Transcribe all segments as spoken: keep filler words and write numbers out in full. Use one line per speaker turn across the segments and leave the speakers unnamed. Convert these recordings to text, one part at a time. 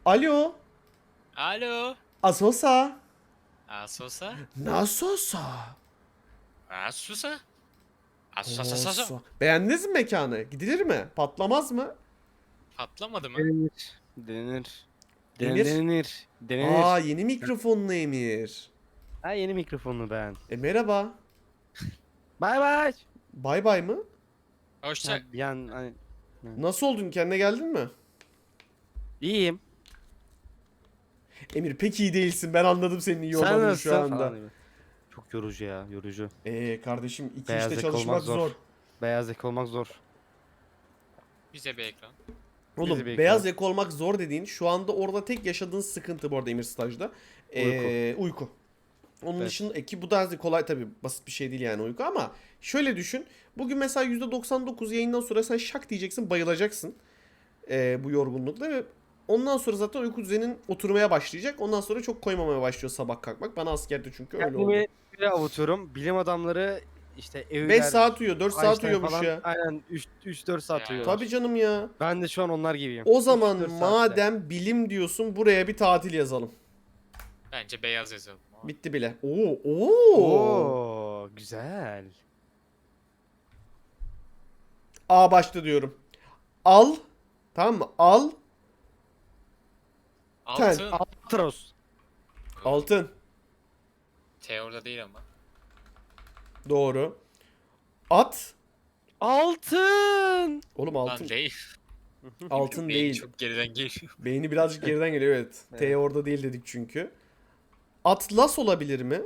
Alo.
Alo.
Asosa.
Asosa.
Nasosa.
Asusa. Asusa.
Osa. Beğendiniz mi mekanı? Gidilir mi? Patlamaz mı?
Patlamadı mı?
Denenir. Denenir.
Emir?
Denenir. Denenir.
Aa, yeni mikrofonlu Emir.
Ha, yeni mikrofonlu ben.
E merhaba.
Bay bay.
Bay bay mı?
Hoşça.
Ha, bir an hani
Nasıl oldun? Kendine geldin mi?
iyiyim.
Emir pek iyi değilsin. Ben anladım senin iyi
Sen
olmadığını
nasılsın
şu anda.
falan gibi. Çok yorucu ya, yorucu.
Eee kardeşim iki
Beyaz
işte
yaka
çalışmak
olmak
zor.
zor. Beyaz yaka olmak zor.
Bize bir ekran.
Oğlum
Bizi bekliyor.
beyaz yaka olmak zor dediğin şu anda orada tek yaşadığın sıkıntı bu arada Emir stajda. Ee, uyku. Onun
Evet.
dışında ki bu da az kolay tabii basit bir şey değil yani uyku ama şöyle düşün. Bugün mesela yüzde doksan dokuz yayından sonra sen şak diyeceksin bayılacaksın. Ee, bu yorgunlukla ve ondan sonra zaten uyku düzenin oturmaya başlayacak. Ondan sonra çok koymamaya başlıyor sabah kalkmak. Bana askerde çünkü öyle oldu.
Kendimi böyle avutuyorum. Bilim adamları işte evler.
beş saat uyuyor, dört saat
Einstein
uyuyormuş
falan,
ya.
Aynen üç dört saat
Ya.
uyuyorlar.
Tabii canım ya.
Ben de şu an onlar gibiyim.
O
üç
zaman
dört saatte.
madem bilim diyorsun buraya bir tatil yazalım.
Bence beyaz yazalım.
Bitti bile. Oo, oo.
Oo, güzel.
A başta diyorum. Al. Tamam mı? Al.
Altın.
Atros.
Altın.
T orada değil ama.
Doğru. At.
Altın.
Oğlum altın.
Lan değil.
Altın
Beyin
değil.
Çok geriden geliyor.
Beyni birazcık geriden geliyor evet. T
Evet.
orada değil dedik çünkü. Atlas olabilir mi?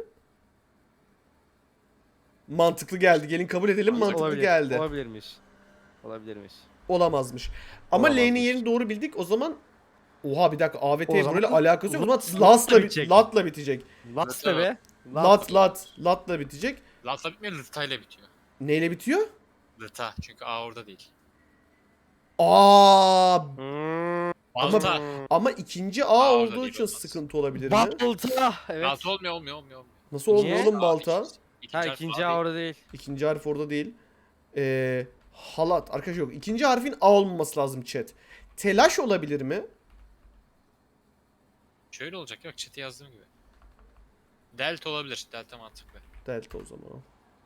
Mantıklı geldi. Gelin kabul edelim. Mantıklı
Olabilir,
geldi.
Olabilirmiş. Olabilirmiş.
Olamazmış. Ama L'nin
Olamazmış.
yerini doğru bildik. O zaman Oha bir dakika A ve
O
T
zaman
böyle alakası yok. O zaman
Lat-
Las'la bit
bitecek.
Lat'la bitecek.
Lat da be.
Lat lat Lat'la bitecek.
Latla bitmiyor, Lıta'yla bitiyor.
Neyle bitiyor?
Lıta. Çünkü A orada değil.
Aa,
Hmm.
Balta.
ama ikinci A
Aa, orada
olduğu
değil,
için
olmaz.
sıkıntı olabilir mi?
Balta. Evet.
Balta olmuyor, olmuyor, olmuyor. olmuyor.
Nasıl olmuyor
Niye?
oğlum balta?
İkinci
Ha
harf
ikinci
A
A
değil.
orada değil.
İkinci harf orada değil. Ee, halat. Arkadaşlar yok. İkinci harfin A olmaması lazım chat. Telaş olabilir mi?
Şöyle olacak yok, chat'e yazdığım gibi. Delta olabilir. Delta mantıklı.
Delta o zaman.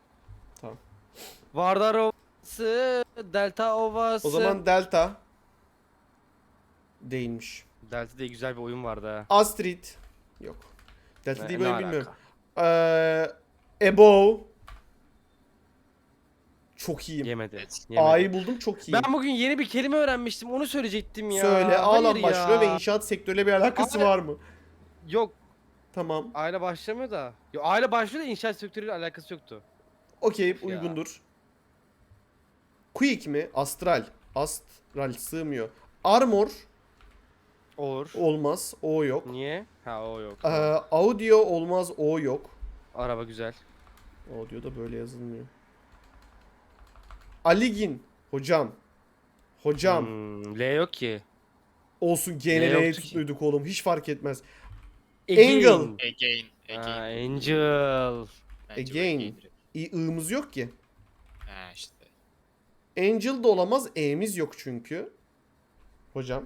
Vardar Ovası. Delta Ovası.
O zaman delta. Değilmiş.
Delta diye güzel bir oyun vardı ha.
Astrid. Yok. Delta
Ne-
değil
ne
böyle
alaka?
bilmiyorum. Ee, Above. Çok iyiyim.
Yemedi.
Evet.
Yemedi.
A'yı buldum çok iyiyim.
Ben bugün yeni bir kelime öğrenmiştim. Onu söyleyecektim ya.
Söyle A'lan
Hayır
başlıyor
ya.
ve inşaat sektörüyle bir alakası
Abi-
var mı?
Yok.
Tamam.
Aile başlamıyor da. Yok aile başlıyor da inşaat sektörüyle alakası yoktu.
Okey
Of ya.
uygundur. Quick mi? Astral. Astral sığmıyor. Armor
Olur.
olmaz. O yok.
Niye? Ha o yok.
Ee, audio olmaz. O yok.
Araba güzel.
Audio da böyle yazılmıyor. Aligin. Hocam. Hocam.
Hmm, L yok ki.
Olsun
Ne
G N L'yi
yoktu ki?
tuttuyduk oğlum. Hiç fark etmez.
Again.
Angle.
Again.
Ha,
Again.
Angel.
Bence
Again.
again direkt.
İ, ığımız yok ki.
Ha işte.
Angel da olamaz. E'miz yok çünkü. Hocam.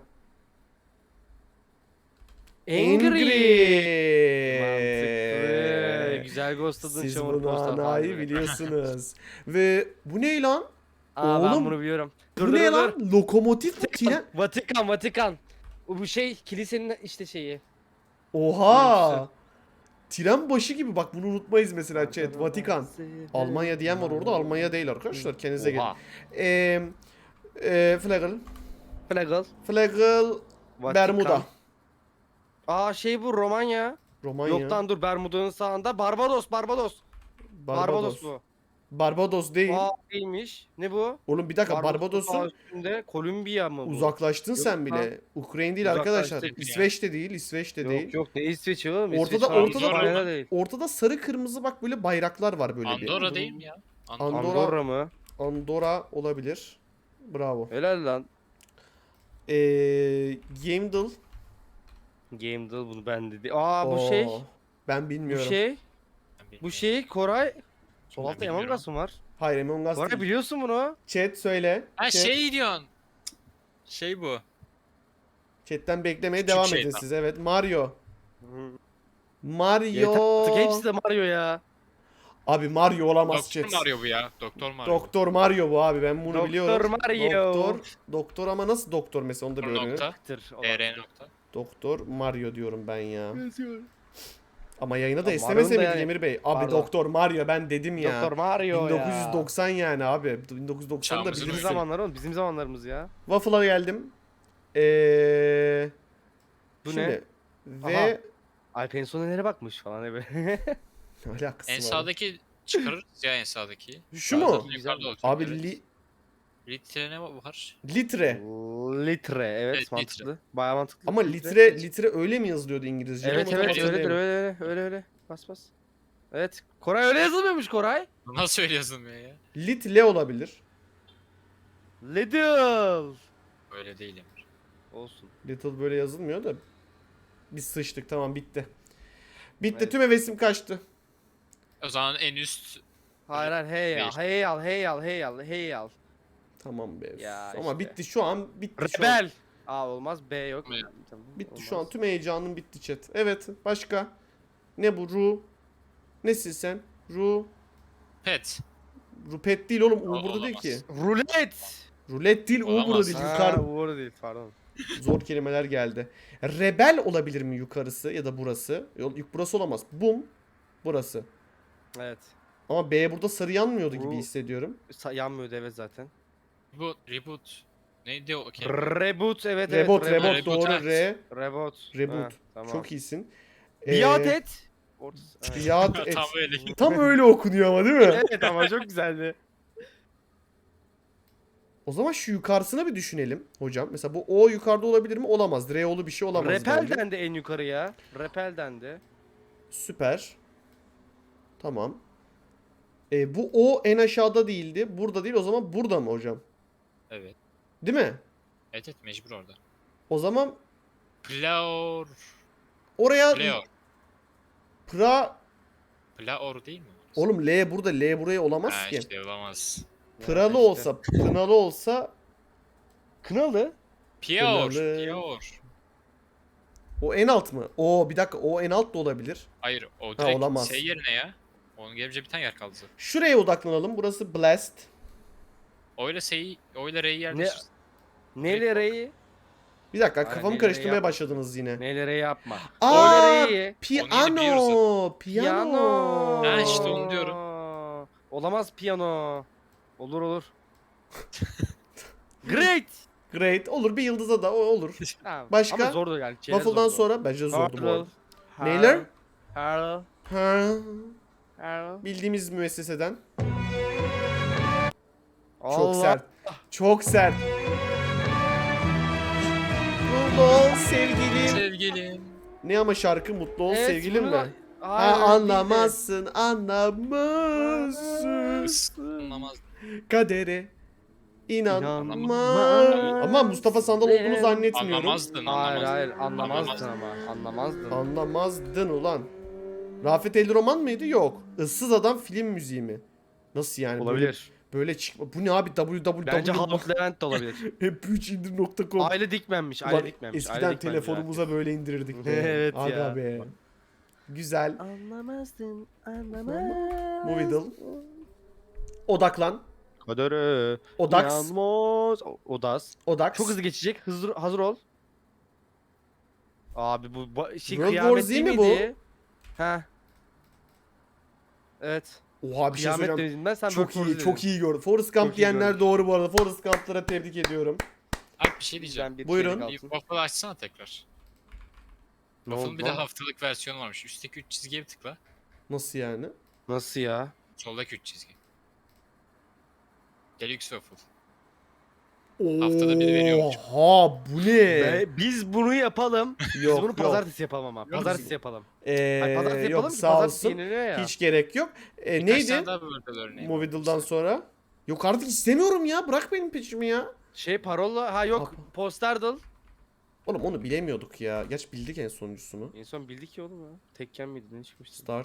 Mantıklı. Güzel ghostladın
Siz
çamur
bunu
posta falan
anayı
gibi.
biliyorsunuz. Ve bu ne lan?
Aa
Oğlum,
ben bunu biliyorum.
Bu
Dur dur
ne
dur.
lan? Lokomotif mi? Tren.
Vatikan Vatikan. O bu şey kilisenin işte şeyi.
Oha. Tren başı gibi bak bunu unutmayız mesela chat. Vatikan. Almanya diyen var orada. Almanya değil arkadaşlar. Kendinize gelin.
Oha.
Eee e, Flagel.
Flagel.
Flagel.
Vatikan.
Bermuda.
Aa şey bu Romanya.
Romanya.
Yoktan dur Bermuda'nın sağında. Barbados Barbados. Barbados,
Barbados.
bu.
Barbados değil.
Aa değilmiş. Ne bu?
Oğlum bir dakika
Barbados'un
Barbados'un
sağ üstünde Kolombiya mı bu?
uzaklaştın
Yok
sen
lan.
bile. Ukrayna değil
Uzaklaştık
arkadaşlar.
ya.
İsveç de değil. İsveç de değil.
Yok yok ne İsveç'i oğlum?
Ortada-
İsveç falan
ortada-
İspanya değil.
Ortada sarı kırmızı bak böyle bayraklar var böyle bir.
Andorra değil mi ya? Andorra.
Andorra.
Andorra mı?
Andorra olabilir. Bravo.
Helal lan.
Eee Gamedal.
Game Deal bunu ben dedi. Aa bu şey.
Oo, Ben
Bu
bilmiyorum.
şey.
Ben bilmiyorum.
Bu şey Koray. Sol
Ben
altta Among
bilmiyorum.
Us mı var?
Hayır Among Us
Koray
değil.
biliyorsun bunu.
Chat söyle.
Ha
Chat,
şey diyorsun. Şey bu.
Chatten beklemeye
Küçük
devam
şeytan.
edin siz. Evet Mario.
Yeter
Mario.
artık hepsi de Mario ya.
Abi Mario olamaz
Doktor
chat.
Mario bu ya. Doktor Mario.
Doktor Mario bu abi, ben bunu
Doktor
biliyorum.
Mario.
Doktor. Doktor ama nasıl doktor mesela, onu da bir
Doktor
öğrenelim.
nokta.
Tır olan.
E R nokta.
Doktor Mario diyorum ben ya. Ama yayına da
Ya
esnemese
Mario'nun da
miydik
yani-
Emir Bey? Abi
Pardon.
Doktor Mario ben dedim ya.
Doktor Mario
bin dokuz yüz doksan yani abi. bin dokuz yüz doksan'da
Çağımızın
Bizim
bilirsin.
oyunu.
zamanlar oğlum, bizim zamanlarımız ya.
Waffle'a geldim. Eee...
Bu
Şimdi.
ne?
Ve...
Alper'in sonu nereye bakmış falan ebe.
Ne alakası
En
var?
sağdaki çıkarırız ya en sağdaki.
Şu mu?
Zaten yukarıda olacak.
Abi
evet.
li-
Litre ne var?
litre.
Litre, evet,
Evet,
mantıklı. Bayağı mantıklı.
Ama litre litre öyle mi yazılıyordu İngilizce?
Evet
Ama
evet
tam
öyledir,
hatırlayamıyorum.
öyle öyle öyle öyle. Bas bas. Evet. Koray öyle yazılmıyormuş Koray.
Nasıl öyle yazılmıyor ya?
Litle olabilir.
Little.
Öyle değil Emir.
Olsun.
Little böyle yazılmıyor da. Biz sıçtık, tamam bitti. Bitti,
Evet.
tüm hevesim kaçtı.
O zaman en üst
Hayır hayır hey al,
Değil.
hey al, hey al, hey al, hey al.
Tamam be.
Ya
Ama
işte.
bitti şu an, bitti şu an.
Rebel. Aa olmaz, B yok.
Evet.
Tamam,
Bitti şu an,
olmaz.
tüm heyecanım bitti chat. Evet, başka? Ne bu? Ru? Nesin sen? Ru?
pet.
Rupet değil oğlum, U
O-
burada değil
olamaz.
ki.
Rulet.
Rulet değil, U burada
Olamaz.
değil.
Ha,
Yukarı.
Uğur değil, pardon.
Zor kelimeler geldi. Rebel olabilir mi yukarısı ya da burası? Yok, burası olamaz. Bum. Burası.
Evet.
Ama B burada sarı yanmıyordu gibi
Ru-
hissediyorum.
Sa- yanmıyordu evet zaten.
Reboot. Reboot. Neydi o kelime?
Reboot evet evet.
Rebot, rebot,
Reboot,
doğru.
evet.
Re.
Reboot.
Reboot.
Ha, tamam.
Çok iyisin.
Biat
Ee,
et. Ortası- evet.
Biat et.
Tam öyle.
Tam öyle okunuyor ama değil mi?
Evet ama çok güzeldi.
O zaman şu yukarısına bir düşünelim hocam. Mesela bu O yukarıda olabilir mi? Olamaz. Re'olu bir şey olamaz bence.
Repel'den de en yukarıya. Repel'den de.
Süper. Tamam. E, bu O en aşağıda değildi. Burada değil. O zaman burada mı hocam?
Evet.
Değil mi?
Evet evet mecbur orada.
O zaman
Plaor.
oraya
Plaor.
pra...
Plaor değil mi?
Oğlum L burada. L buraya olamaz
Ha
ki.
işte olamaz.
Pıralı
Ya işte.
olsa, pınalı olsa
Kınalı.
Pior.
Kınalı.
Pior.
o en alt mı? O bir dakika, o en alt da olabilir.
Hayır o direkt
olamaz.
şey yerine ya. Onun gelince bir tane yer kaldı. zaten.
Şuraya odaklanalım. Burası Blast.
O ile S'yi, o ile R'yi yerleştir.
Neyle reyi?
Bir dakika,
Aynen,
kafamı
neyle
karıştırmaya
yapma.
başladınız yine.
Neyle reyi yapma.
Aa,
Öyle reyi.
piyano.
biliyoruz
Piyano.
Ha, işte onu diyorum.
Olamaz piyano. Olur olur. Great.
Great. Olur, bir yıldıza da o olur.
Ha,
Başka?
Ama zordu yani. çerez
Waffle'dan
zordu.
sonra bence zordu bu arada.
Har-
Neyler?
har-
Ha,
har-
bildiğimiz müesseseden. Çok
Allah.
sert. Çok sert. Mutlu ol sevgilim.
Sevgilim.
Ne ama şarkı, mutlu ol
Evet,
sevgilim
bunu
mi?
da-
Ha,
Hayır, öyle değil de.
anlamazsın, anlamazsın.
Anlamaz.
Kadere inanma.
İnanma.
Ama Mustafa Sandal olduğunu
Benim-
zannetmiyorum.
Anlamazdın.
Hayır hayır
Anlamazdın.
anlamazdın ama anlamazdın.
Anlamazdın ulan. Rafet El Roman mıydı? Yok. Issız Adam film müziği mi? Nasıl yani?
Olabilir.
Böyle, böyle çıkma. Bu ne abi? www.
Bence Haluk Levent de olabilir.
hep üç indir nokta com.
Aile dikmenmiş,
Ulan
aile dikmenmiş.
eskiden
aile dikmenmiş
telefonumuza böyle indirirdik. be.
Evet
Aga
ya.
be. Güzel.
Anlamazdın, anlamazdın.
Movidal. Odaklan.
Kader'e
Odax.
inanmaz. O- Odas.
Odax.
Çok hızlı geçecek. Hızlı hazır ol. Abi bu ba- şey
World War
kıyamet
Z
değil
mi bu?
miydi? Ha. Evet.
Oha bir şey
Kıyamet
söyleyeceğim.
dedim ben, sen
Çok
World
iyi,
War Z
çok
dedin.
iyi gördüm. Forrest Gump
Çok iyi
diyenler
gördüm.
doğru bu arada. Forrest Gump'lara tebrik ediyorum.
Abi bir şey diyeceğim.
Bizden bir
Buyurun.
şeylik
Bir
alsın.
waffle açsana tekrar.
Ne
Waffle'ın
oldu
bir de
lan?
haftalık versiyonu varmış. Üstteki üç çizgiye bir tıkla.
Nasıl yani?
Nasıl ya?
Soldaki üç çizgi. Deluxe waffle. Haftada bir veriyormuş.
Oha bu ne?
Ve biz bunu yapalım. Biz
Yok
bunu
yok.
pazartesi yapalım ama.
Yok.
Pazartesi yapalım.
Ee,
Hayır, pazartesi yapalım
yok
ki
sağ
pazartesi
olsun.
yeniliyor ya.
Hiç gerek yok. Ee,
Birkaç
neydi?
tane daha böyle örneği var.
Movidal'dan sonra. Yok artık istemiyorum ya. Bırak benim peşimi ya.
Şey parola ha yok
Apa.
posterdal.
Oğlum onu bilemiyorduk ya. Geç bildik en sonuncusunu.
En son bildik ya oğlum ya. Tekken miydi ne çıkmıştı?
Start.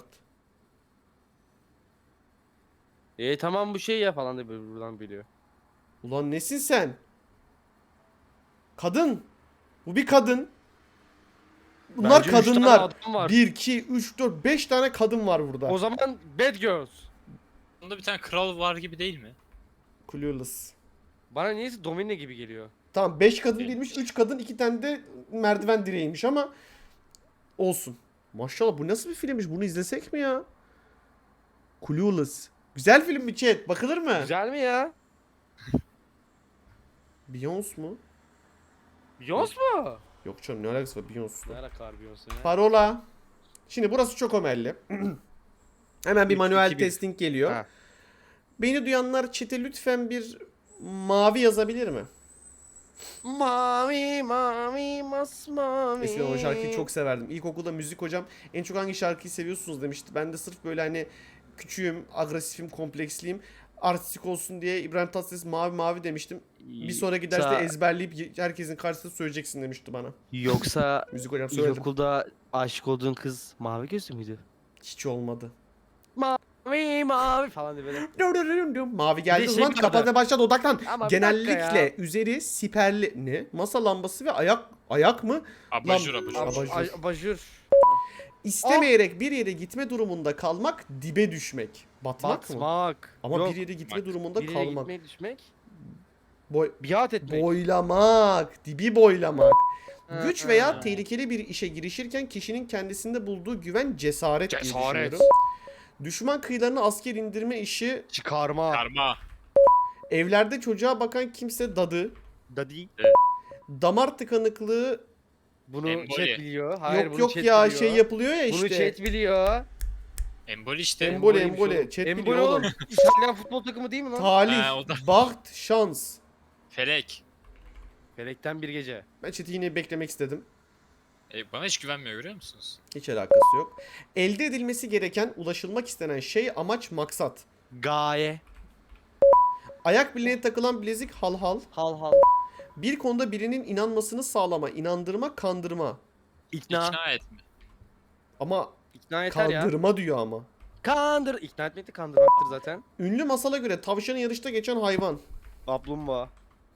E tamam bu şey ya falan da böyle buradan biliyor.
Ulan nesin sen? Kadın. Bu bir kadın. Bunlar
Bence üç tane
kadınlar.
adam var.
bir, iki, üç, dört, beş tane kadın var burada.
O zaman Bad Girls.
Bunda bir tane kral var gibi değil mi?
Clueless.
Bana niyeyse Domine gibi geliyor.
Tamam beş kadın
Evet.
değilmiş. üç kadın, iki tane de merdiven direğiymiş ama olsun. Maşallah bu nasıl bir filmmiş? Bunu izlesek mi ya? Clueless. Güzel film mi chat? Bakılır mı?
Güzel mi ya?
Beyoncé mu?
Beyoncé mu?
Yok canım ne alakası var Beyoncé'la?
Ne alaka var Beyoncé ya?
Parola. Şimdi burası çok omelli. Hemen bir
Üç,
manuel
iki, bir.
testing geliyor.
Ha.
Beni duyanlar chat'e lütfen bir mavi yazabilir mi?
Mavi mavi masmavi.
Eskiden o şarkıyı çok severdim. İlkokulda müzik hocam en çok hangi şarkıyı seviyorsunuz demişti. Ben de sırf böyle hani küçüğüm, agresifim, kompleksliyim. Artistik olsun diye İbrahim Tatlıses mavi mavi demiştim. Bir sonraki derste
Yoksa-
ezberleyip herkesin karşısında söyleyeceksin demişti bana.
Yoksa
Müzik hocam söyledim.
ilkokulda aşık olduğun kız mavi gözlü müydü?
Hiç olmadı.
Mavi mavi falan diye böyle.
Mavi geldi
Bir de
o
şey
zaman
vardı.
kapatmaya başladı odaklan.
Ama bir
Genellikle
dakika ya.
üzeri siperli ne? Masa lambası ve ayak ayak mı?
Abajur
Lan-
abajur.
Abajur.
Abajur. Abajur.
İstemeyerek bir yere gitme durumunda kalmak, dibe düşmek. Batmak mı?
Batmak.
Ama
Yok.
bir yere gitme
Bak,
durumunda
Bir yere
kalmak.
gitmeye düşmek.
Boy
Biat etmek.
boylamak, dibi boylamak.
Ha,
Güç
ha.
veya tehlikeli bir işe girişirken kişinin kendisinde bulduğu güven cesaret, diye
Cesaret.
düşünüyorum. Düşman kıyılarına asker indirme işi,
Çıkarma.
Karma.
evlerde çocuğa bakan kimse dadı,
Dadi.
damar tıkanıklığı
Bunu
Emboli.
chat biliyor. Hayır,
yok
bunu
yok
chat
ya
biliyor.
şey yapılıyor ya
Bunu
işte.
chat biliyor.
Embol işte.
Emboli
Emboliymiş
emboli.
oğlum.
Chat
Emboli
biliyor
oğlum.
oğlum.
İtalyan futbol takımı değil mi lan?
Talih,
Ha, o da-
baht, şans.
Felek.
Felekten bir gece.
Ben chat'i yine beklemek istedim.
E, bana hiç güvenmiyor görüyor musunuz?
Hiç alakası yok. Elde edilmesi gereken, ulaşılmak istenen şey, amaç, maksat.
Gaye.
Ayak bileğine takılan bilezik, halhal.
Hal hal.
Bir konuda birinin inanmasını sağlama, inandırma, kandırma.
İkna.
İkna etme.
Ama
İkna yeter ya.
kandırma diyor ama.
Kandır. İkna etmek de kandırmaktır zaten.
Ünlü masala göre tavşanın yarışta geçen hayvan.
Kaplumbağa.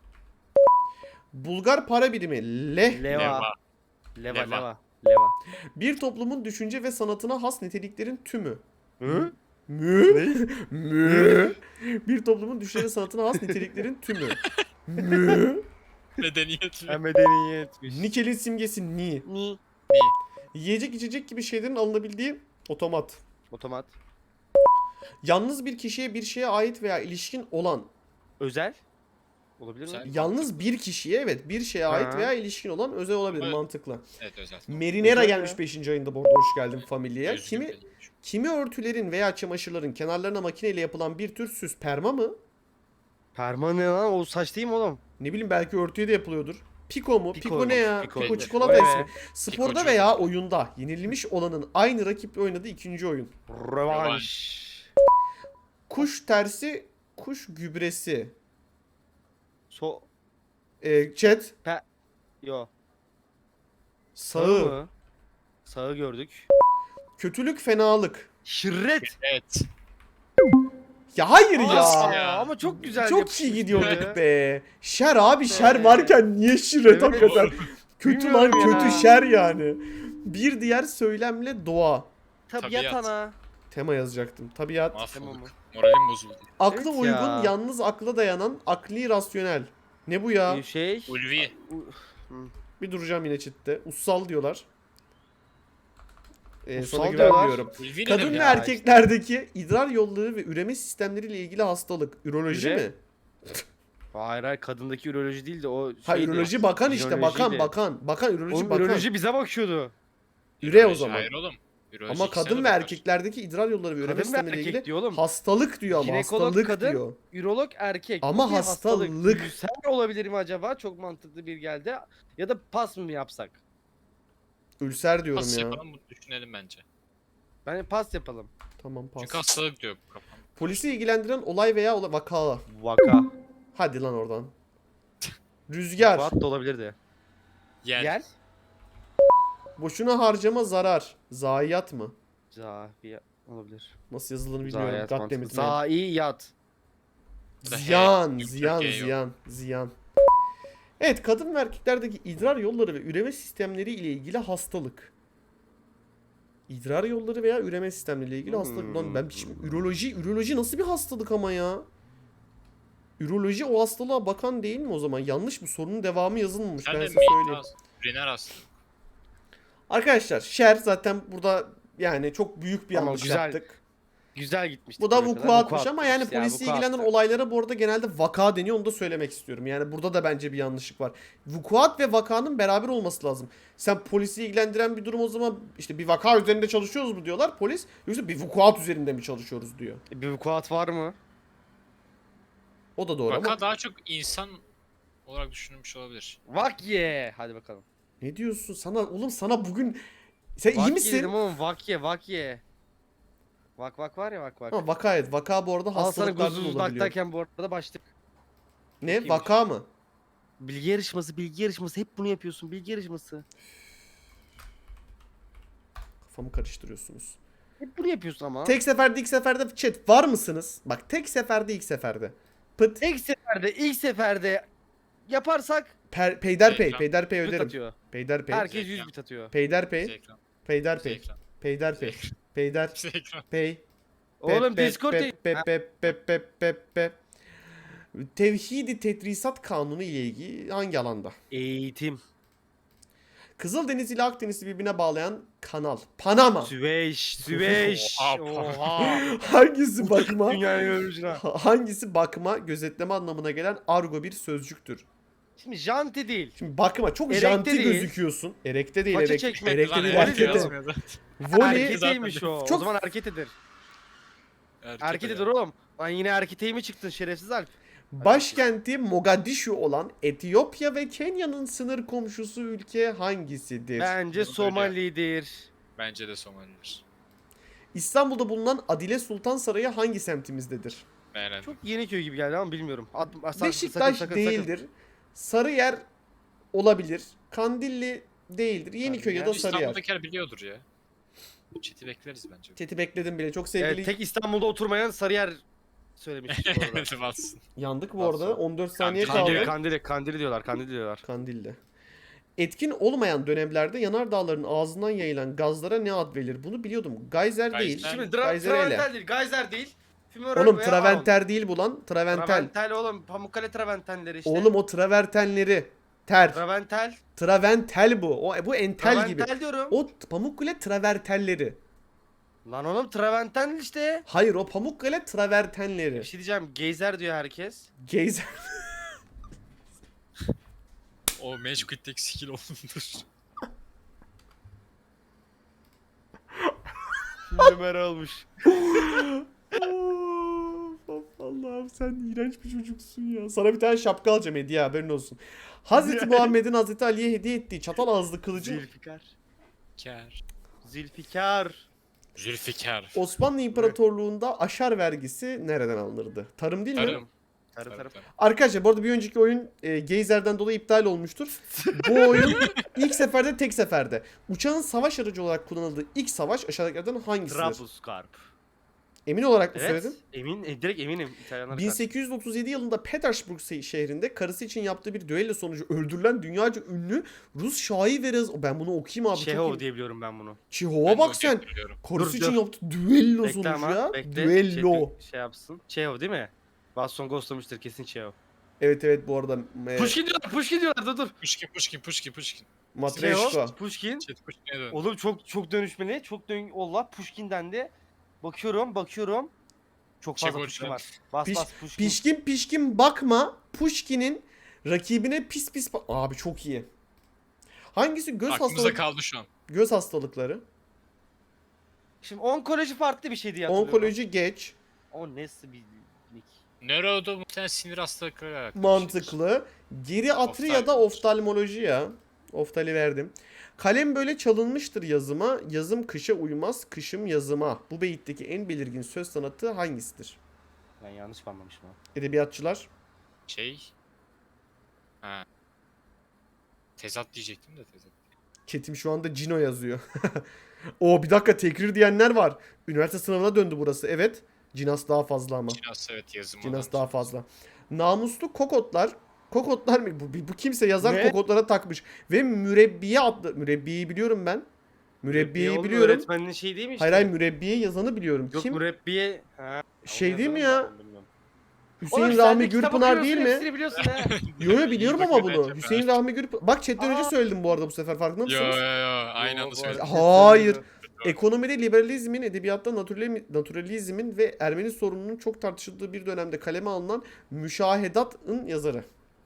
Bulgar para birimi, leh.
Leva.
Leva.
Leva.
Leva.
Leva. Leva.
Bir toplumun düşünce ve sanatına has niteliklerin tümü.
Hı?
Mü? Mü? Bir toplumun düşünce ve sanatına has niteliklerin tümü. Mü?
Medeniyet mi?
Ha, medeniyetmiş.
Nikelin simgesi ni.
Ni.
Yiyecek içecek gibi şeylerin alınabildiği otomat.
Otomat.
Yalnız bir kişiye bir şeye ait veya ilişkin olan.
Özel. Olabilir mi?
Güzel.
Yalnız bir kişiye evet bir şeye ait
Ha.
veya ilişkin olan özel olabilir,
Evet.
mantıklı.
Evet özel.
Merinera
Özel
gelmiş
ya.
beşinci ayında bu arada, hoş geldin familyaya.
Özgür
Kimi
Bey.
kimi örtülerin veya çamaşırların kenarlarına makineyle yapılan bir tür süs, perma mı?
Perma ne lan? O saç değil mi oğlum?
Ne bileyim belki örtüye de yapılıyordur. Piko mu? Piko,
Pikoymuş,
ne ya?
piko.
Piko,
Piko.
çikolata
Evet.
ismi. Sporda
Pikocu.
veya oyunda yenilmiş olanın aynı rakiple oynadığı ikinci oyun.
Rövanş.
Kuş tersi, kuş gübresi.
So...
Ee, chat,
Yo.
sağı,
mı? Sağı gördük.
kötülük, fenalık.
Şirret.
Evet.
Ya hayır ya.
Nasıl
Aa,
ya?
ama çok güzel
Çok iyi
yapışmış
gidiyorduk
be.
be. Şer abi, şer
Be.
varken niye şirret
Evet.
hakikaten? Kötü lan,
Bilmiyorum ya.
kötü şer yani. Bir diğer söylemle doğa.
Tabiat
Tabiat.
ana.
Tema yazacaktım. Tabiat.
Tamam mı?
Mahvolduk. Moralim bozuldu.
Akla
Evet
uygun,
ya.
yalnız akla dayanan, akli rasyonel. Ne bu ya?
Bir şey.
Ulvi.
Bir duracağım yine chatte. Ussal diyorlar. Ee,
Ussal
sana
diyorlar.
güvenmiyorum.
Ulvi ne
Kadın
demek
ve
ya?
erkeklerdeki idrar yolları ve üreme sistemleriyle ilgili hastalık. Üroloji
Üre-
mi?
Hayır hayır, kadındaki üroloji değil de o
Ha
şeydi.
üroloji bakan işte.
Ürolojiydi.
Bakan bakan. Bakan üroloji
Oğlum
bakan.
üroloji bize bakıyordu.
Üre o
Üroloji,
zaman.
Hayır oğlum. Üroloji
Ama
ikisine
kadın
de
ve
bakar.
erkeklerdeki idrar yolları ve üreme
Kadın ve
sistemleriyle
erkek
ilgili
diyor oğlum.
hastalık diyor ama
Jinekolog
hastalık
kadın,
diyor.
Ürolog erkek.
Ama
Peki
hastalık.
Ülser olabilir mi acaba? Çok mantıklı bir geldi. Ya da pas mı yapsak?
Ülser diyorum
Pas
ya.
yapalım bunu düşünelim bence.
Bence pas yapalım.
Tamam pas.
Çünkü hastalık diyor bu kafam.
Polisi ilgilendiren olay veya ola vaka.
Vaka.
Hadi lan oradan. Rüzgar.
Fuat da olabilirdi.
Yer.
Yer.
Boşuna harcama, zarar. Zayiat mı?
Zahiya olabilir.
Nasıl yazıldığını bilmiyorum.
Zayiat
God
mantıklı.
damn it, man.
Zaiyat.
Bu da H,
Ziyan,
Türk
ziyan,
Türkiye yok.
ziyan, ziyan. Evet, kadın ve erkeklerdeki idrar yolları ve üreme sistemleri ile ilgili hastalık. İdrar yolları veya üreme sistemleri ile ilgili hastalık. Lan ben şimdi üroloji, üroloji nasıl bir hastalık ama ya? Üroloji o hastalığa bakan değil mi o zaman? Yanlış mı? Sorunun devamı yazılmamış.
Sen
Ben
de
size söyleyeyim.
Üriner hastalık.
Arkadaşlar Şer zaten burada yani çok büyük bir
Ama
yanlış
güzel.
yaptık.
Güzel gitmiştik.
Bu da
buraya kadar.
vukuatmış ama yani
atmışız ya,
polisi
vukuat.
ilgilenen olaylara bu arada genelde vaka deniyor, onu da söylemek istiyorum. Yani burada da bence bir yanlışlık var. Vukuat ve vakanın beraber olması lazım. Sen polisi ilgilendiren bir durum o zaman işte bir vaka üzerinde çalışıyoruz mu diyorlar polis, yoksa bir vukuat üzerinde mi çalışıyoruz diyor.
Bir vukuat var mı?
O da doğru
Vaka
ama
daha çok insan olarak düşünülmüş olabilir.
Vakye. Hadi bakalım.
ne diyorsun sana oğlum, sana bugün sen iyi
Vakye
misin?
dedim oğlum, vakye vakye. Vak vak var ya, vak vak.
Ha, vaka evet, vaka bu arada
Al sana
hastalıklardan
guzuz
olabiliyor.
baktayken bu arada başlık.
Ne
iyiymiş.
vaka mı?
Bilgi yarışması, bilgi yarışması. Hep bunu yapıyorsun, bilgi yarışması.
Kafamı karıştırıyorsunuz.
Hep bunu yapıyorsun ama.
Tek seferde ilk seferde chat var mısınız? Bak tek seferde ilk seferde. Pıt.
Tek seferde, ilk seferde yaparsak
Per, peyderpey.
Ekran.
Peyderpey
bit
öderim.
atıyor.
Peyderpey.
Herkes yüz bit atıyor.
Peyderpey.
Bize ekran. Bize
Peyderpey.
ekran.
Peyderpey.
Bize
Peyder.
Bize ekran.
Pey.
Oğlum
Pe- pe-
Discord
pe-
değil.
pe-
Ha,
pe- pe- pe- pe- pe. Tevhidi Tedrisat Kanunu ile ilgili hangi alanda?
Eğitim.
Kızıldeniz ile Akdeniz'i birbirine bağlayan kanal. Panama.
Süveyş, Süveyş.
Oha.
Oha.
Hangisi bakma?
Dünyanın orijinal.
Hangisi bakma, gözetleme anlamına gelen argo bir sözcüktür?
Şimdi janti değil.
Şimdi bakma çok
Erekte
janti
değil.
gözüküyorsun. Erekte değil,
Paça
erek,
çekmek
erekte
Lan
değil,
evet,
erkete.
erkete.
yazmıyordu.
Voley,
Erketeymiş o.
Çok-
O zaman erketedir.
Erkek
Erketedir
ayağı.
oğlum. Lan yine erketey mi çıktın şerefsiz Alp?
başkenti Mogadishu olan Etiyopya ve Kenya'nın sınır komşusu ülke hangisidir?
Bence
Öyle.
Somali'dir.
Bence de Somali'dir.
İstanbul'da bulunan Adile Sultan Sarayı hangi semtimizdedir?
Beğendim.
Çok Yeniköy gibi geldi ama bilmiyorum. At, sakın,
Beşiktaş
sakın, sakın,
değildir.
Sakın.
Sarıyer olabilir. Kandilli değildir. Yeniköy ya da
Sarıyer.
Sarıyer.
İstanbul'dakiler biliyordur ya. Chat'i bekleriz bence.
Chat'i bekledim bile. Çok sevgili.
Evet, tek İstanbul'da oturmayan Sarıyer söylemiş bu arada.
Evet, bassın.
Yandık bu arada.
Nasıl?
on dört saniye
Kandil,
kaldı.
Kandili, kandili, kandili diyorlar, kandili diyorlar.
Kandilli. Etkin olmayan dönemlerde yanardağların ağzından yayılan gazlara ne ad verilir? Bunu biliyordum. Geyser değil.
Geyser.
Şimdi
Geyser ele.
Traventel değil, Geyser değil. Fümörel
Oğlum
veya
Traventer değil bu lan. Traventel.
Traventel oğlum, Pamukkale Traventenleri işte.
Oğlum o travertenleri. Ter.
Traventel.
Traventel bu. O bu entel gibi.
Traventel diyorum.
O Pamukkale travertenleri.
Lan oğlum Traventel işte.
Hayır, o Pamukkale travertenleri.
Bir şey diyeceğim, Geyser diyor herkes.
Geyser.
O Magic skill olundur.
Ömer olmuş.
Of, Allah'ım sen iğrenç bir çocuksun ya. Sana bir tane şapka alacağım hediye, haberin olsun. Hazreti Muhammed'in Hazreti Ali'ye hediye ettiği çatal ağızlı kılıcın
Zülfikar.
Kar.
Zülfikar.
Zülfikar.
Osmanlı İmparatorluğu'nda aşar vergisi nereden alınırdı? Tarım değil mi?
Tarım.
Tarım tarım.
Arkadaşlar bu arada bir önceki oyun e, Geyser'den dolayı iptal olmuştur. Bu oyun ilk seferde tek seferde. Uçağın savaş aracı olarak kullanıldığı ilk savaş aşağıdakilerden hangisidir?
Trablusgarp.
Emin olarak mı
Evet.
söyledin?
Emin, e, direkt eminim İtalyanlar.
bin sekiz yüz otuz yedi yılında Petersburg se- şehrinde karısı için yaptığı bir düello sonucu öldürülen dünyaca ünlü Rus şair ve rez... Ben bunu okuyayım abi. çok
Çehov
iyi.
diye biliyorum ben bunu.
Çehov'a bak sen. Karısı
Dur,
için
dur.
yaptığı düello
Bekle
sonucu
ama.
ya.
Bekle.
Düello.
Şey, şey yapsın. Çehov değil mi? Baston ghostlamıştır kesin Çehov.
Evet evet bu arada e,
Pushkin diyorlar, Pushkin diyorlar. Dur dur.
Pushkin, Pushkin, Pushkin, Pushkin.
Matreşko.
Çehov, Pushkin.
Chat Pushkin'e dön.
Oğlum çok çok dönüşmeli. Çok dön... Allah Pushkin'den de. Bakıyorum, bakıyorum. Çok fazla
Çegoç'tan.
Pushkin var. Bas
Piş-
bas Pushkin.
Pişkin pişkin bakma. Pushkin'in rakibine pis pis bak. Abi çok iyi. Hangisi göz
Aklımıza
hastalık
kaldı şu an.
göz hastalıkları?
Şimdi onkoloji farklı bir şey diye hatırlıyorum.
Onkoloji geç.
O nasıl bir nick?
Nöroda muhtemelen sinir hastalıkları alakalı. bir şeydir.
Mantıklı. Geriatri ya da oftalmoloji ya. Oftali verdim. Kalem böyle çalınmıştır yazıma. Yazım kışa uymaz, kışım yazıma. Bu beyitteki en belirgin söz sanatı hangisidir?
Ben yanlış mı anlamışım ha?
şey.
Edebiyatçılar.
Şey. Ha. Tezat diyecektim de tezat.
Çetim şu anda Cino yazıyor. O bir dakika, tekrir diyenler var. Üniversite sınavına döndü burası. Evet. Cinas daha fazla ama.
Cinas evet yazım.
Cinas
olan.
daha fazla. Namuslu kokotlar Kokotlar mı? Bu, bu kimse yazar
Ne?
kokotlara takmış. Ve mürebbiye adlı. Mürebbiyeyi biliyorum ben. Mürebbiyeyi
oğlum,
biliyorum.
Öğretmenin şey değil mi işte?
Hayır hayır mürebbiye yazanı biliyorum.
Yok
Kim?
mürebbiye. Ha.
Şey
Onu
değil mi
yazarım
ya?
ben, bilmiyorum.
Hüseyin
Oğlum sen
Rahmi
de kitap
Gürpınar değil
okuyorsun,
mi?
hepsini biliyorsun ha.
Yo yo
İyi
biliyorum ama
bakıyor
bunu.
bence.
Hüseyin Rahmi Gürpınar. Bak chatten önce
Aa.
söyledim bu arada bu sefer farkında
Yo
mısınız?
yo yo aynı
Yo,
anda
bu
söyledim.
arada-
Hayır.
Doğru.
Ekonomide liberalizmin, edebiyatta naturali- naturalizmin ve Ermeni sorununun çok tartışıldığı bir dönemde kaleme alınan Müşahedat'ın yazarı.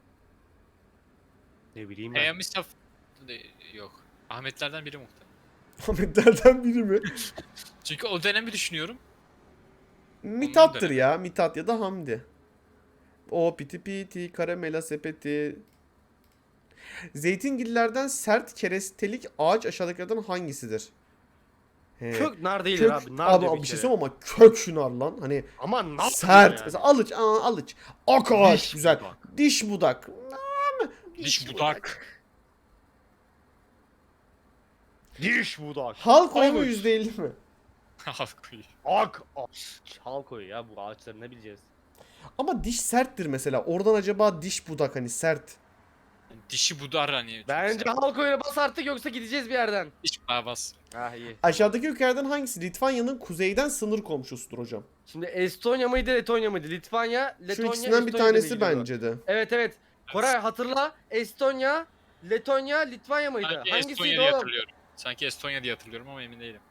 Ne bileyim ben.
Peyami Saf... De- Yok. Ahmetlerden biri muhtemelen.
Ahmetlerden biri mi?
Çünkü o dönemi düşünüyorum.
Mithat'tır
dönemi.
ya. Mithat ya da Hamdi. O piti piti, karamela sepeti. Zeytingillerden sert kerestelik ağaç aşağıdakilerden hangisidir? He.
Kök nar değildir
Kök,
abi. Nar
ama
diyor
bir
bir
şey
kere.
söyleyeyim ama kök şınar lan. Hani
Ama nar
sert.
yani.
Mesela alıç, aa, alıç. Ak ağaç
Diş
güzel.
budak.
Diş budak.
Diş budak.
Diş budak.
Halk oyu mu
Avuç.
yüzde elli mi?
Halkuyu.
Ak ağaç. Çal koyu ya bu ağaçları ne bileceğiz.
Ama diş serttir mesela. Oradan acaba diş budak hani sert.
Dişi budar hani. çok
Bence
sert.
halk oyuna bas artık yoksa gideceğiz bir yerden.
Diş babas.
Ah iyi.
Aşağıdaki ülkelerden hangisi Litvanya'nın kuzeyden sınır komşusudur hocam?
Şimdi Estonya mıydı Letonya mıydı? Litvanya,
Şu
Letonya,
ikisinden bir
Estonya
tanesi
diye gidiyordu.
bence de.
Evet evet. Koray hatırla. Estonya, Letonya, Litvanya mıydı?
Sanki
Hangisiydi
Estonya diye
oğlum?
hatırlıyorum. Sanki Estonya diye hatırlıyorum ama emin değilim.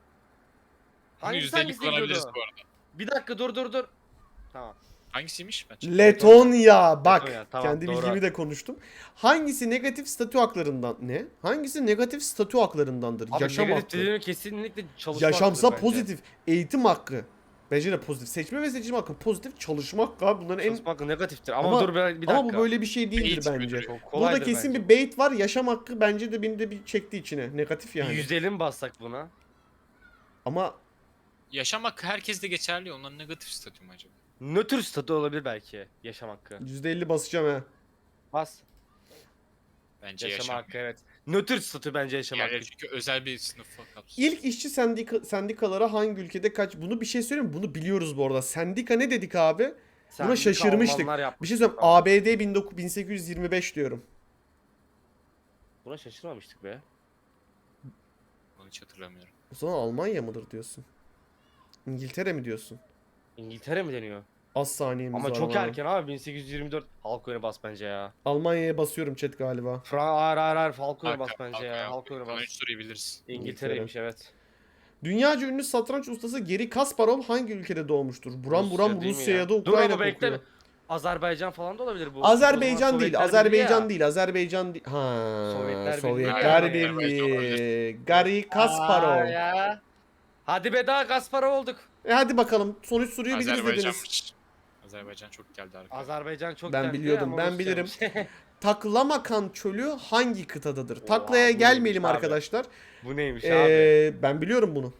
Bunu
Hangisi
yüzde elli
hangisi
kullanabiliriz
gidiyordu?
bu arada.
Bir dakika dur dur dur. Tamam.
Hangisiymiş ben?
Letonya. Bak
Letonya, tamam,
kendi
doğru.
bilgimi de konuştum. Hangisi negatif statü haklarından ne? Hangisi negatif statü haklarındandır?
Abi
Yaşam
negatif
hakkı.
dediğim kesinlikle çalışma
Yaşamsa
hakkıdır bence.
pozitif. Eğitim hakkı. Bence de pozitif. Seçme ve seçim hakkı pozitif. Çalışma hakkı abi. Bunların en...
Çalışma hakkı negatiftir ama,
Ama-
dur bir, bir dakika.
Ama bu böyle bir şey değildir
Eğitim
bence.
müdürü.
Çok
Burada
kolaydır
kesin
bence.
bir bait var. Yaşam hakkı bence de beni de bir çekti içine. Negatif yani.
yüz elli mi bassak buna?
Ama
Yaşam hakkı herkeste geçerli. Onların negatif statü mü acaba?
Nötr statü olabilir belki yaşam hakkı.
yüzde elli basacağım ha.
Bas.
Bence
Yaşam,
yaşam.
hakkı evet. Nötr statü bence yaşam hakkı.
Diğerleri çünkü özel bir sınıfa kapsıyor.
İlk işçi sendika, sendikalara hangi ülkede kaç? Bunu bir şey söyleyeyim mi? Bunu biliyoruz bu arada. Sendika ne dedik abi?
Sendika
şaşırmıştık.
Almanlar yapmış.
Bir şey söyleyeyim.
Tamam.
A B D bin sekiz yüz yirmi beş diyorum.
Buna şaşırmamıştık be.
Onu hiç hatırlamıyorum.
O zaman Almanya mıdır diyorsun? İngiltere mi diyorsun?
İngiltere mi deniyor?
Az saniyemiz
Ama
var
çok
bana.
erken abi bin sekiz yüz yirmi dört halk oyuna bas bence ya.
Almanya'ya basıyorum chat galiba.
Fran hayır hayır hayır halk oyuna bas
Arka-
bence
arka
ya.
yok.
Halk oyuna
Bana
bas.
üç soruyu biliriz.
İngiltere'ymiş evet.
Dünyaca ünlü satranç ustası Geri Kasparov hangi ülkede doğmuştur? Buram
Rusya
buram
değil mi
Rusya
ya?
ya da
Dur
Ukrayna
ama bekle.
kokuyor.
Azerbaycan falan da olabilir bu.
Azerbaycan
O
değil,
zaman Sovyetler Birliği
Azerbaycan
ya.
değil, Azerbaycan değil. Ha,
Sovyetler Birliği
Sovyetler
ya.
Birliği.
Azerbaycan
Gari
Aa,
Kasparov.
ya. Hadi be daha Kasparov olduk.
E hadi bakalım. Sonuç soruyu biliriz dediniz.
Azerbaycanmış. Azerbaycan çok geldi arkaya.
Azerbaycan çok
Ben
geldi
biliyordum,
ama
ben
Rusya'ymış.
Taklamakan çölü hangi kıtadadır?
Oha,
Taklaya
bu
gelmeyelim
neymiş abi?
arkadaşlar.
Bu neymiş abi?
Ee, ben biliyorum bunu.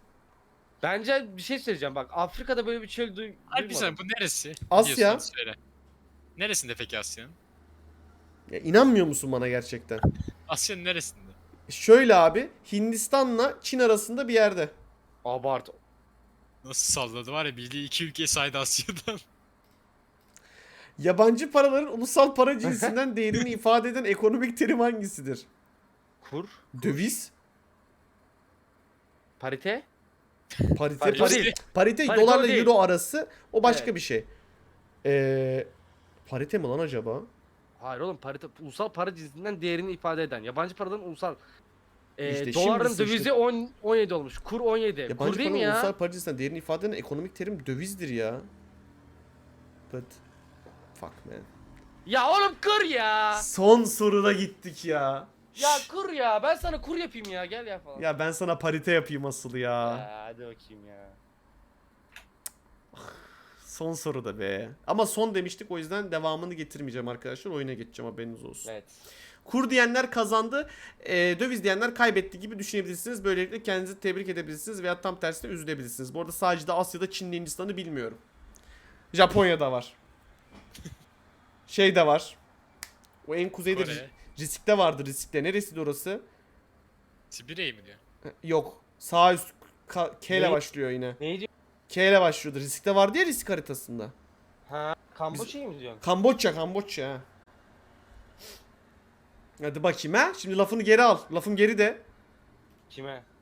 Bence bir şey söyleyeceğim bak Afrika'da böyle bir çöl duy
Harbi
duymadım.
sen bu neresi?
Asya.
Biliyorsan söyle. Neresinde peki Asya'nın?
Ya, inanmıyor musun bana gerçekten?
Asya'nın neresinde?
Şöyle abi, Hindistan'la Çin arasında bir yerde.
Abart.
Nasıl salladı var ya bildiği iki ülke saydı Asya'dan.
Yabancı paraların ulusal para cinsinden değerini ifade eden ekonomik terim hangisidir?
Kur.
Döviz,
Parite.
parite,
Parite
parite,
değil.
parite,
Parite
dolarla
o değil.
euro arası o başka
Evet.
bir şey. Ee, parite mi lan acaba?
Hayır oğlum parite ulusal para cinsinden değerini ifade eden. Yabancı paraların ulusal ee,
İşte
doların
şimdi
dövizi
sıçtık.
on, on yedi olmuş. Kur on yedi.
Yabancı
Kur değil
paranın
mi ya?
ulusal para cinsinden değerini ifade eden ekonomik terim dövizdir ya. But fuck man.
Ya oğlum kur ya.
Son soruda gittik ya.
Ya kur ya. Ben sana kur yapayım ya. Gel ya falan.
Ya ben sana parite yapayım asıl ya.
Ya, hadi bakayım ya.
Son soruda be. Ama son demiştik o yüzden devamını getirmeyeceğim arkadaşlar. Oyuna geçeceğim haberiniz olsun.
Evet.
Kur diyenler kazandı, e, döviz diyenler kaybetti gibi düşünebilirsiniz. Böylelikle kendinizi tebrik edebilirsiniz veya tam tersine üzülebilirsiniz. Bu arada sadece de Asya'da Çin'le Hindistan'ı bilmiyorum. Japonya'da var. Şey de var. O en kuzeyde
Kore.
Risk'te vardı Risk'te. Neresiydi orası?
Sibirya'yı mı diyor?
Yok. Sağ üst K, K ile
Ne?
başlıyor yine.
Neydi?
K ile başlıyordu. Risk'te vardı ya Risk haritasında.
Ha, Kamboçya'yı mı diyorsun?
Kamboçya, Kamboçya. ha. Hadi bakayım ha. Şimdi lafını geri al. Lafım geri de.
Kime?